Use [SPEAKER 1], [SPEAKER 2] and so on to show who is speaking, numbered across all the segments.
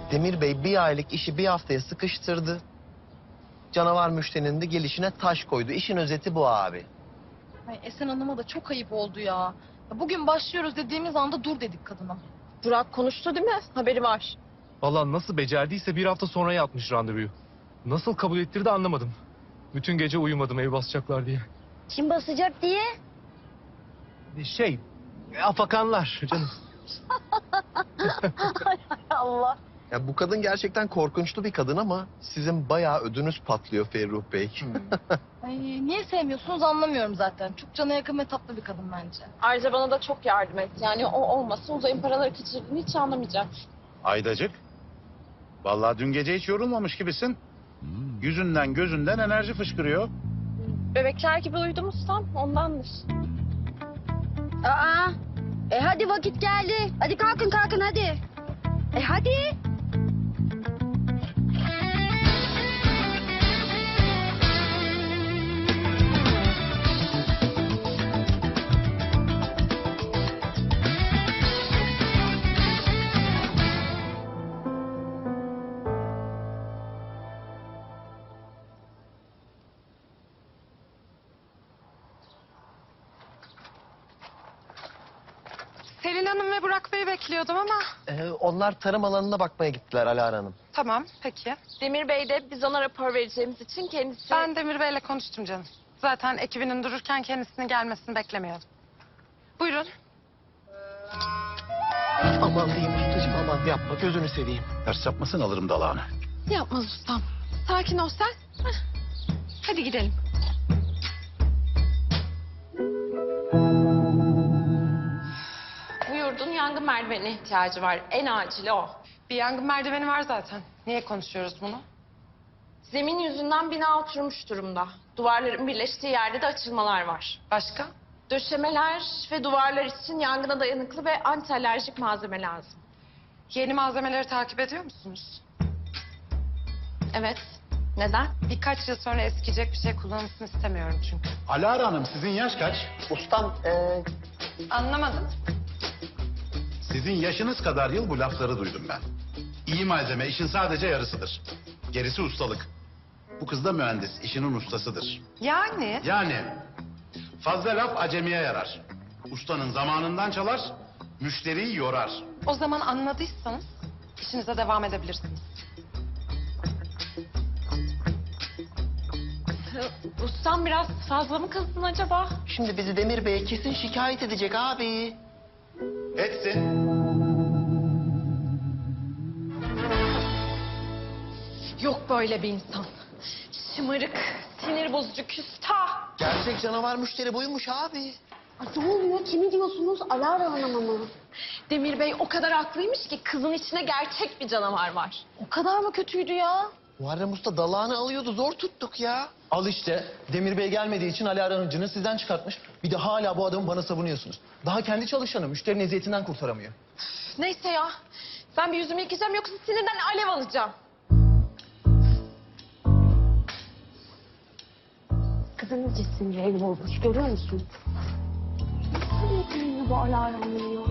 [SPEAKER 1] Demir Bey bir aylık işi bir haftaya sıkıştırdı. Canavar müşterinin de gelişine taş koydu. İşin özeti bu abi.
[SPEAKER 2] Ay Esen Hanım'a da çok ayıp oldu ya. Bugün başlıyoruz dediğimiz anda dur dedik kadına. Burak konuştu değil mi? Haberi var.
[SPEAKER 3] Vallahi nasıl becerdiyse bir hafta sonraya atmış randevuyu. Nasıl kabul ettirdi anlamadım. Bütün gece uyumadım ev basacaklar diye.
[SPEAKER 4] Kim basacak diye?
[SPEAKER 3] Afakanlar canım.
[SPEAKER 2] Allah.
[SPEAKER 1] Ya bu kadın gerçekten korkunçlu bir kadın ama sizin bayağı ödünüz patlıyor Ferruh Bey.
[SPEAKER 2] Ay, niye sevmiyorsunuz anlamıyorum zaten. Çok cana yakın ve tatlı bir kadın bence.
[SPEAKER 5] Ayrıca bana da çok yardım etti. Yani o olmasa Uzay'ın paraları kaçırdığını hiç anlamayacak.
[SPEAKER 6] Aydacık. Vallahi dün gece hiç yorulmamış gibisin. Yüzünden gözünden enerji fışkırıyor.
[SPEAKER 5] Bebekler gibi uyudum ustam, ondandır.
[SPEAKER 4] Aa, hadi vakit geldi. Hadi kalkın kalkın hadi. Hadi.
[SPEAKER 7] Selin Hanım ve Burak Bey'i bekliyordum ama
[SPEAKER 1] Onlar tarım alanına bakmaya gittiler Alara Hanım.
[SPEAKER 7] tamam peki.
[SPEAKER 5] Demir Bey de biz ona rapor vereceğimiz için kendisi...
[SPEAKER 7] Ben Demir Bey'le konuştum canım. Zaten ekibinin dururken kendisinin gelmesini beklemiyordum. Buyurun.
[SPEAKER 1] Aman diyeyim ustacığım aman yapma gözünü seveyim.
[SPEAKER 6] Ters yapmasın alırım dalağını.
[SPEAKER 7] Yapmaz ustam. Sakin ol sen. Heh. Hadi gidelim.
[SPEAKER 5] Bu yurdun yangın merdivenine ihtiyacı var. En acili o.
[SPEAKER 7] Bir yangın merdiveni var zaten. Niye konuşuyoruz bunu?
[SPEAKER 5] Zemin yüzünden bina oturmuş durumda. Duvarların birleştiği yerde de açılmalar var.
[SPEAKER 7] Başka?
[SPEAKER 5] Döşemeler ve duvarlar için yangına dayanıklı ve anti alerjik malzeme lazım.
[SPEAKER 7] Yeni malzemeleri takip ediyor musunuz?
[SPEAKER 5] Evet. Neden?
[SPEAKER 7] Birkaç yıl sonra eskiyecek bir şey kullanılsın istemiyorum çünkü.
[SPEAKER 6] Alara Hanım sizin yaş kaç?
[SPEAKER 1] Ustam
[SPEAKER 7] Anlamadım.
[SPEAKER 6] Sizin yaşınız kadar yıl bu lafları duydum ben. İyi malzeme işin sadece yarısıdır. Gerisi ustalık. Bu kız da mühendis, işinin ustasıdır.
[SPEAKER 7] Yani?
[SPEAKER 6] Yani fazla laf acemiye yarar. Ustanın zamanından çalar, müşteriyi yorar.
[SPEAKER 7] O zaman anladıysanız işinize devam edebilirsiniz.
[SPEAKER 5] Ustam biraz fazla mı kızdın acaba?
[SPEAKER 1] şimdi bizi Demir Bey'e kesin şikayet edecek abi.
[SPEAKER 6] Etsin.
[SPEAKER 5] Yok böyle bir insan. Şımarık, sinir bozucu, küstah.
[SPEAKER 1] Gerçek canavar müşteri buymuş abi.
[SPEAKER 4] Ay, ne oluyor? Kimi diyorsunuz? Alara Hanım'a mı?
[SPEAKER 5] Demir Bey o kadar haklıymış ki kızın içine gerçek bir canavar var.
[SPEAKER 2] O kadar mı kötüydü ya?
[SPEAKER 1] Muharrem Usta dalağını alıyordu zor tuttuk ya.
[SPEAKER 8] Al işte. Demir Bey gelmediği için Ali Aran'ın cını sizden çıkartmış. Bir de hala bu adamı bana savunuyorsunuz. Daha kendi çalışanı müşterinin eziyetinden kurtaramıyor.
[SPEAKER 5] Neyse ya. Ben bir yüzümü yıkayacağım yoksa sinirden alev alacağım.
[SPEAKER 4] Kızın iyice sinirli olmuş. Görüyor musun? Nasıl yapıyor bu Alara Hanım ya?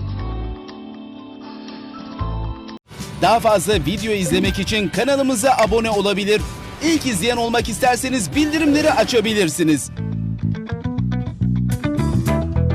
[SPEAKER 9] Daha fazla video izlemek için kanalımıza abone olabilir. İlk izleyen olmak isterseniz bildirimleri açabilirsiniz.